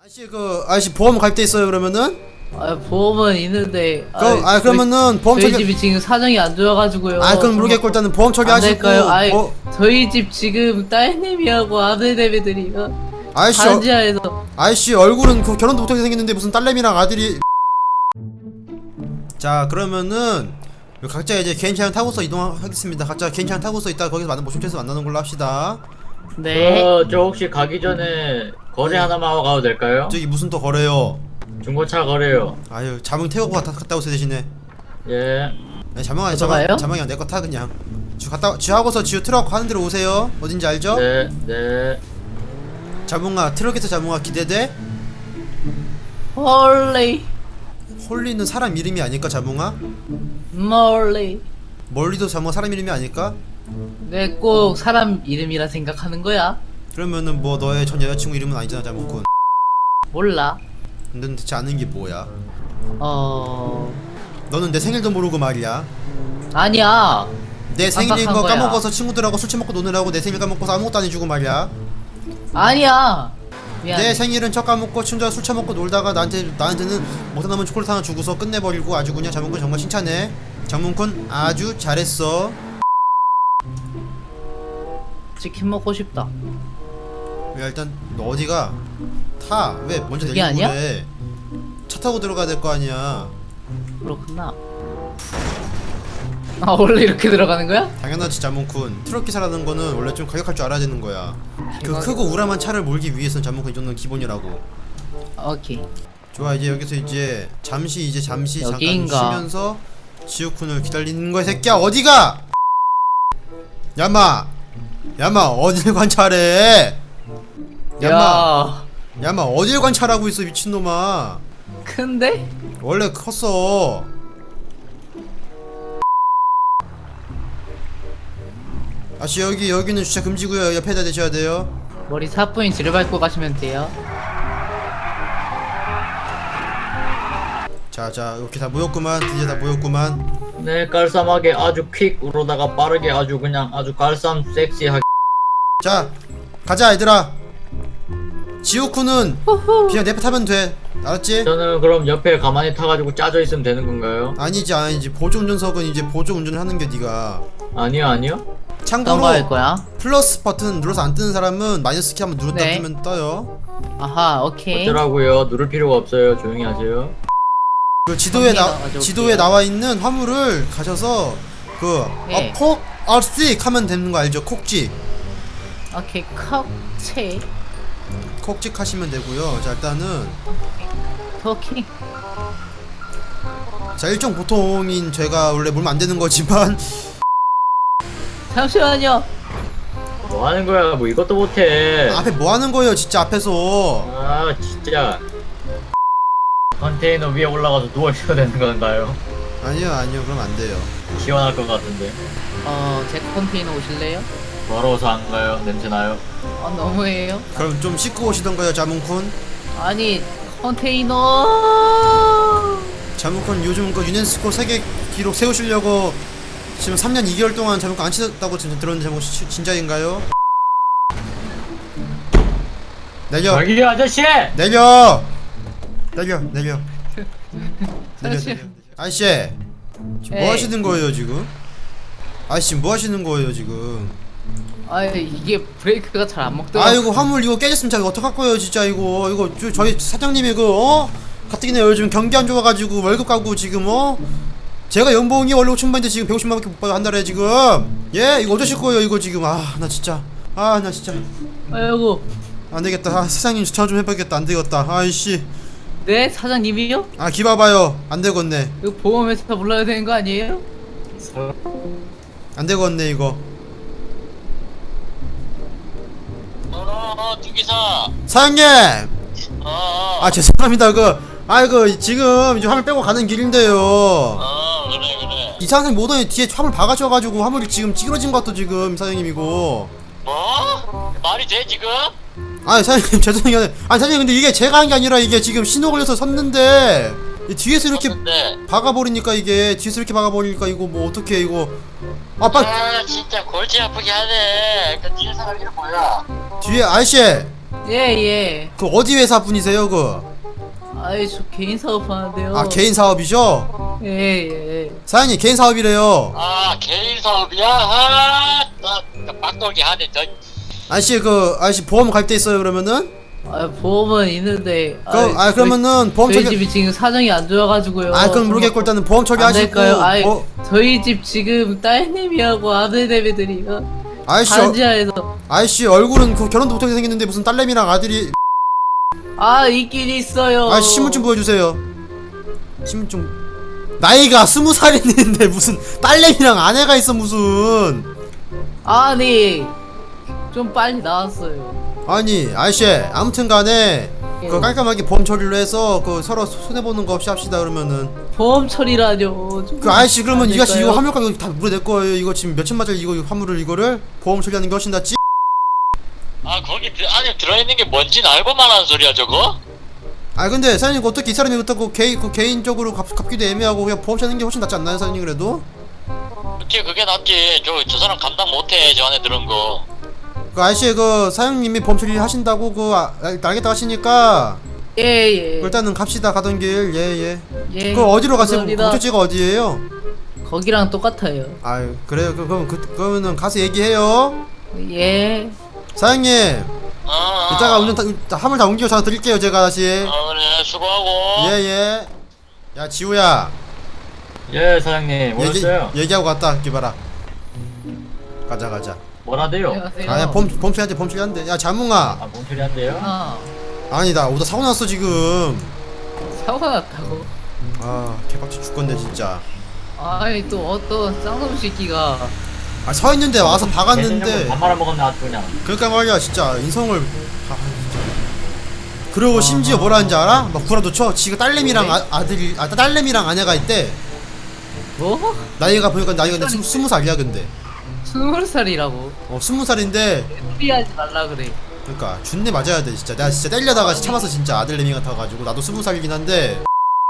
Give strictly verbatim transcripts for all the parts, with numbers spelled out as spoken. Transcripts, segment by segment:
아저씨 그 아저씨 보험 가입돼 있어요 그러면은? 아 보험은 있는데. 그럼 아, 아 그러면은 보험 저희 처리. 집이 지금 사정이 안 좋아가지고요. 아 그럼 모르겠고 일단은 보험 처리하시고. 안 될까요? 아이 어, 저희 집 지금 딸내미하고 아들내미들이요. 아저씨 반지하에서. 아저씨 얼굴은 그 결혼도 못하게 생겼는데 무슨 딸내미랑 아들이. 자 그러면은 각자 이제 개인 차량 타고서 이동하겠습니다. 각자 개인 차량 타고서 이따 거기서 만나 모션체에서 만나는 걸로 합시다. 네. 어, 저 혹시 가기 전에 거래 하나만 하고 가도 될까요? 저기 무슨 또 거래요? 중고차 거래요. 아유 자몽 태우고 갔다, 갔다 오세요 대신에. 예. 네, 자몽아 어서 자몽 가요? 자몽이 내 거 타 그냥. 지 갔다 지하고서 지우 트럭 하는 데로 오세요. 어딘지 알죠? 네, 네. 자몽아 트럭에서 자몽아 기대돼? 홀리 홀리는 사람 이름이 아닐까 자몽아? 멀리. 멀리도 자몽아 사람 이름이 아닐까? 내 꼭 사람 이름이라 생각하는 거야? 그러면은 뭐 너의 전 여자친구 이름은 아니잖아 자몽군. 몰라. 근데 대체 아는 게 뭐야? 어 너는 내 생일도 모르고 말이야. 아니야. 내 생일인 거 깜빡한 거야. 까먹어서 친구들하고 술 처먹고 노느라고 내 생일 까먹고서 아무것도 안 해주고 말이야. 아니야. 미안. 내 생일은 첫 까먹고 친구들 술 처먹고 놀다가 나한테 나한테는 못한 남은 초콜릿 하나 주고서 끝내버리고 아주 그냥 장문군 정말 칭찬해. 장문군 아주 잘했어. 치킨 먹고 싶다. 야 일단 너 어디가? 타. 왜 먼저 그게 내리고 아니야? 그래? 차 타고 들어가야 될 거 아니야. 그렇구나. 아 원래 이렇게 들어가는 거야? 당연하지 자몽군. 트럭 기사라는 거는 원래 좀 가격할 줄 알아야 되는 거야. 그 대박이다. 크고 우람한 차를 몰기 위해서는 자몽군 이 정도는 기본이라고. 오케이. 좋아 이제 여기서 이제 잠시 이제 잠시 여기인가? 잠깐 쉬면서 지우쿤을 기다리는 거야 새끼야. 어디가? 야마 야마 어딜 관찰해? 야마 야 야마 어딜 관찰하고 있어 미친놈아. 큰데? 원래 컸어. 아씨 여기 여기는 주차 금지구요. 옆에다 대셔야 돼요. 머리 사뿐히 밟고 가시면 돼요. 자자 이렇게 다 모였구만. 드디어 다 모였구만. 네, 깔쌈하게 아주 퀵으로다가 빠르게 아주 그냥 아주 깔쌈 섹시하게. 자 가자 얘들아. 지우쿠는 그냥 내패 타면 돼. 알았지? 저는 그럼 옆에 가만히 타가지고 짜져 있으면 되는 건가요? 아니지 아니지 보조 운전석은 이제 보조 운전을 하는 게 네가. 아니요, 아니요. 어떤 참고로 거 할 거야? 플러스 버튼 눌러서 안 뜨는 사람은 마이너스 키 한번 눌렀다 네. 뜨면 떠요. 아하 오케이. 어쩌라고요? 누를 필요가 없어요. 조용히 하세요. 그 지도에 나 가져올게요. 지도에 나와 있는 화물을 가셔서 그 네. 어폭 얼씩 하면 되는 거 알죠? 콕찍 오케이 컵체 콕찍 하시면 되고요. 자 일단은 토킹. 자 일종 보통인 제가 원래 물면 안 되는 거지만 잠시만요. 뭐 하는 거야? 뭐 이것도 못해. 앞에 뭐 하는 거예요 진짜 앞에서. 아, 진짜. 컨테이너 위에 올라가서 누워 있어야 되는 건가요? 아니요 아니요 그럼 안 돼요. 시원할 것 같은데. 어제 컨테이너 오실래요? 더러워서 안 가요? 냄새 나요? 어 너무해요. 그럼 좀 씻고 오시던가요 자문쿤. 아니 컨테이너. 자문쿤 요즘 그 유네스코 세계 기록 세우시려고 지금 삼 년 이 개월 동안 자문쿤 안 치셨다고 지금 들었는데 자문 시- 진짜인가요? 내려 저기 아저씨! 내려 내려 내려 내려 잠시- 내려. 아저씨 지금 뭐 에이. 하시는 거예요 지금? 아저씨 뭐 하시는 거예요 지금? 아 이게 브레이크가 잘 안 먹더라. 아이고 화물 이거 깨졌으면 자 어떡할 거예요 진짜 이거 이거 저, 저희 사장님이 그 어? 가뜩이나 요즘 경기 안 좋아가지고 월급 가고 지금 어? 제가 연봉이 원래 오천만인데 지금 백오십만 밖에 못 받아 한 달에 지금. 예 이거 어쩌실 거예요 이거 지금. 아 나 진짜 아 나 진짜 아이고 안 되겠다. 아, 사장님 전화 좀 해봐야겠다. 안 되겠다. 아이씨. 네 사장님이요? 아 기봐봐요. 안 되겠네. 이거 보험회사 불러야 되는 거 아니에요? 안 되겠네 이거. 어어 두기사 사장님. 어어 아 죄송합니다. 그 아이고 지금 이제 화물 빼고 가는 길인데요. 어 그래 그래 이상한 사람이 오더니 뒤에 화물 박아셔가지고 화물이 지금 찌그러진 것 같아 지금 사장님 이거. 뭐? 말이 돼 지금? 아 사장님 죄송해요. 아 사장님 근데 이게 제가 한 게 아니라 이게 지금 신호 걸려서 섰는데 이 뒤에서 이렇게 네. 박아버리니까 이게 뒤에서 이렇게 박아버리니까 이거 뭐 어떡해 이거. 아 빨리 아 진짜 골치 아프게 하네 그 뒤에 사람 이름 뭐야? 뒤에 아저씨 예예. 그 어디 회사 분이세요 그? 아이 저 개인 사업 하는데요. 아 개인 사업이죠? 예예. 사장님 개인 사업이래요. 아 개인 사업이야? 아, 나, 나 빡돌기 하네 저. 아저씨 그 아저씨 보험 갈 때 있어요 그러면은? 아 보험은 있는데. 그, 아 그러면은 보험 저희 처리. 집이 지금 사정이 안 좋아가지고요. 아 그럼 모르겠고 일단은 보험 안 처리하시고. 될까요? 아이 뭐, 저희 집 지금 딸내미하고 아들내미들이요. 아저씨 어, 반지하에서. 아저씨 얼굴은 그 결혼도 못하게 생겼는데 무슨 딸내미랑 아들이. 아 있긴 있어요. 아 신분증 보여주세요. 신분증. 나이가 스무 살인데 무슨 딸내미랑 아내가 있어 무슨. 아니 좀 빨리 나왔어요. 아니 아저씨 아무튼간에 예. 그 깔끔하게 보험 처리로 해서 그 서로 손해 보는 거 없이 합시다 그러면은. 보험 처리라뇨. 좀 그 아저씨 그러면 안 이 아저씨 이거 될까요? 화물 가격 다 물어낼 거예요. 이거 지금 몇천만짜리 이거 화물을 이거를 보험 처리하는 게 훨씬 낫지. 아 거기 들- 안에 들어있는 게 뭔지는 알고만 하는 소리야 저거? 아 근데 사장님 그 어떻게 이 사람이 그렇다고 개인 그 개인적으로 갚, 갚기도 애매하고 그냥 보험 처리하는 게 훨씬 낫지 않나요 사장님 그래도? 그치 그게 낫지. 저, 저 사람 감당 못해 저 안에 들은 거. 그 아저씨 그 사장님이 보험 처리 하신다고 그 아, 알겠다 하시니까 예예. 일단은 갑시다 가던 길. 예예. 예. 그 어디로 가세요? 감사합니다. 목적지가 어디예요? 거기랑 똑같아요. 아유 그래요. 그, 그럼 그, 그러면은 가서 얘기해요. 예. 사장님 어, 어. 이따가 운전 다, 화물 다 옮겨 전화 드릴게요 제가 다시. 어 그래 수고하고. 예예. 야 지우야 예 사장님 얘기, 오셨어요? 얘기하고 갔다 기봐라. 가자 가자. 뭐라대요? 안녕하세요. 아야 범 범죄한테 범죄한대. 야 자몽아. 아 몸처리한대요? 아 아니 나 오다 사고 났어 지금. 사고 났다고. 아 개빡치 죽겠네 진짜. 아이 또 어떤 쌍놈 새끼가. 아 서 있는데 와서 개념을 박았는데. 밥 말아먹었네 아주 그냥. 그러니까 말이야 진짜 인성을. 아, 진짜. 그리고 심지어 뭐라 하는지 알아? 막 구라도 쳐. 지가 딸내미랑 아, 아들이 아 딸내미랑 아내가 있대. 뭐? 나이가 보니까 나이가 근데 스- 스무 살이야 근데. 스물 살이라고. 어 스무 살인데. 무리하지 말라 그래. 그러니까 준내 맞아야 돼 진짜. 내가 진짜 때리려다가 참았어 진짜 아들내미 같아가지고. 나도 스무 살이긴 한데.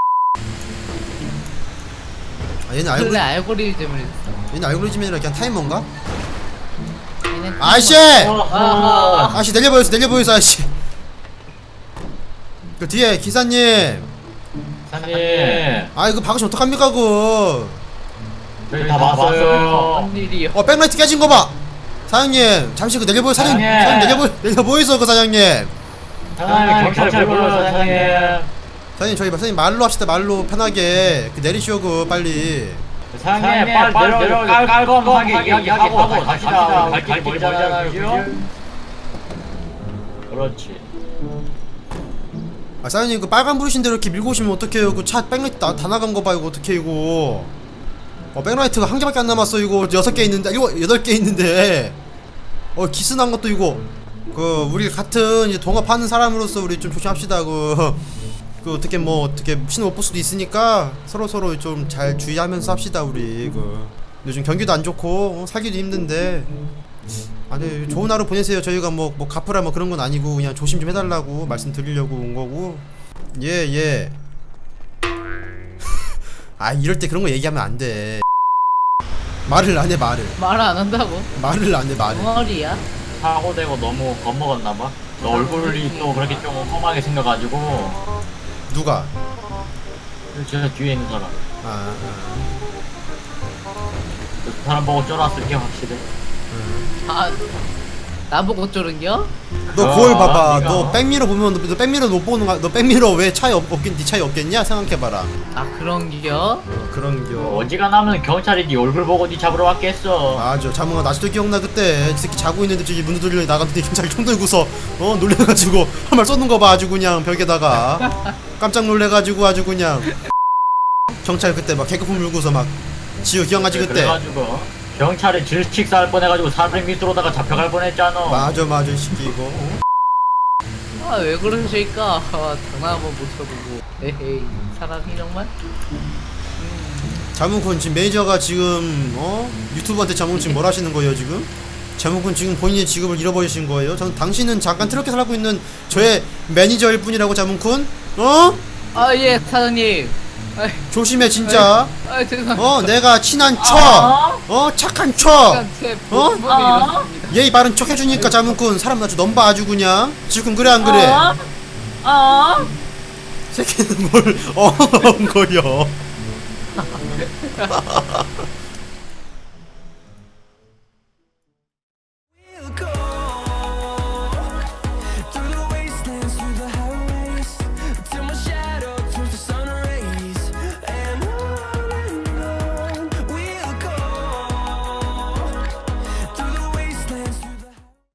아 얘는 알고 원래 알고리즘을 했어. 얘는 알고리즘이 아니라 그냥 타이머인가? 얘는 아저씨! 아하. 아저씨 내려보였어 내려보였어 아저씨. 그 뒤에 기사님. 사장님 아 이거 박으시면 어떡합니까 그거. 저희 다 봤어요. 무슨 일이요? 어 백라이트 깨진 거 봐. 사장님 잠시 그 내려보여 사장님. 사장님. 사장님 내려보 내려보이소 그 사장님. 사장님 경찰 불러요 사장님. 사장님 저희 사장님 말로 합시다 말로 편하게. 그 내리시오 그 빨리. 사장님 빨리 내려 깔끔하게 이야기하고 갑시다. 갈 길이 멀잖아요 그죠? 그렇지. 아 사장님 그 빨간 불이신 대로 이렇게 밀고 오시면 어떡해요. 그 차 백라이트 다, 다 나간 거 봐 이거 어떡해 이거. 어 백라이트가 한 개밖에 안 남았어 이거. 여섯 개 있는데 이거 여덟 개 있는데. 어 기스난 것도 이거. 그 우리 같은 이제 동업하는 사람으로서 우리 좀 조심합시다. 그, 그 어떻게 뭐 어떻게 신호 못 볼 수도 있으니까 서로 서로 좀 잘 주의하면서 합시다 우리. 그 요즘 경기도 안 좋고 어, 살기도 힘든데. 아니 좋은 하루 보내세요. 저희가 뭐 뭐 갚으라 뭐 그런 건 아니고 그냥 조심 좀 해달라고 말씀드리려고 온 거고. 예 예. 아 이럴 때 그런 거 얘기하면 안 돼. 말을 안 해 말을. 말 안 한다고? 말을 안 해 말을. 머리야? 사고되고 너무 겁먹었나봐. 너 얼굴이 또 그렇게 좀 험하게 생겨가지고. 누가? 저 뒤에 있는 사람. 아, 그 사람 보고 쫄았을 게 확실해. 아 나보고 쫄은겨? 너 아, 거울 봐봐. 네가- 너 백미러 보면 너, 너 백미러 못 보는 거. 너 백미러 왜 차이 없, 없긴 네 차이 없겠냐? 생각해봐라. 아 그런겨? 어, 그런겨. 어지간하면 경찰이 네 얼굴 보고 네 잡으러 왔겠어. 맞아. 자몽아 나 아직도 기억나 그때 이 새끼 자고 있는데 저기 문 두드려 나갔는데 경찰이 총 들고서 어 놀래가지고 한 말 쏘는 거 봐 아주 그냥 벽에다가 깜짝 놀래가지고 아주 그냥 경찰 그때 막 개그품 물고서 막 지우 기억나지 그때. 그래가지고 경찰이 질식사할 뻔해가지고 사람 밑으로다가 잡혀갈 뻔했잖아. 맞아 맞아 이 새끼 이거. 어? 아 왜 그러실까? 아, 장난 한번 못 쳐보고. 에헤이 사람이 정말? 자몽군 지금 매니저가 지금 어 유튜브한테 자몽 지금 뭘 하시는 거예요 지금? 자몽군 지금 본인의 직업을 잃어버리신 거예요? 저는 당신은 잠깐 트럭에 살고 있는 저의 매니저일 뿐이라고 자몽군? 어? 아 예 사장님. 아이, 조심해 진짜. 아 죄송합니다. 어 내가 친한 척. 어 착한 척. 약간 제 어? 모습이 이렇습니다. 예의 바른 척 해주니까 자문꾼 사람 아주 넘봐 아주 그냥 지금 그래 안 그래? 어? 어? 새끼는 뭘 어엉거려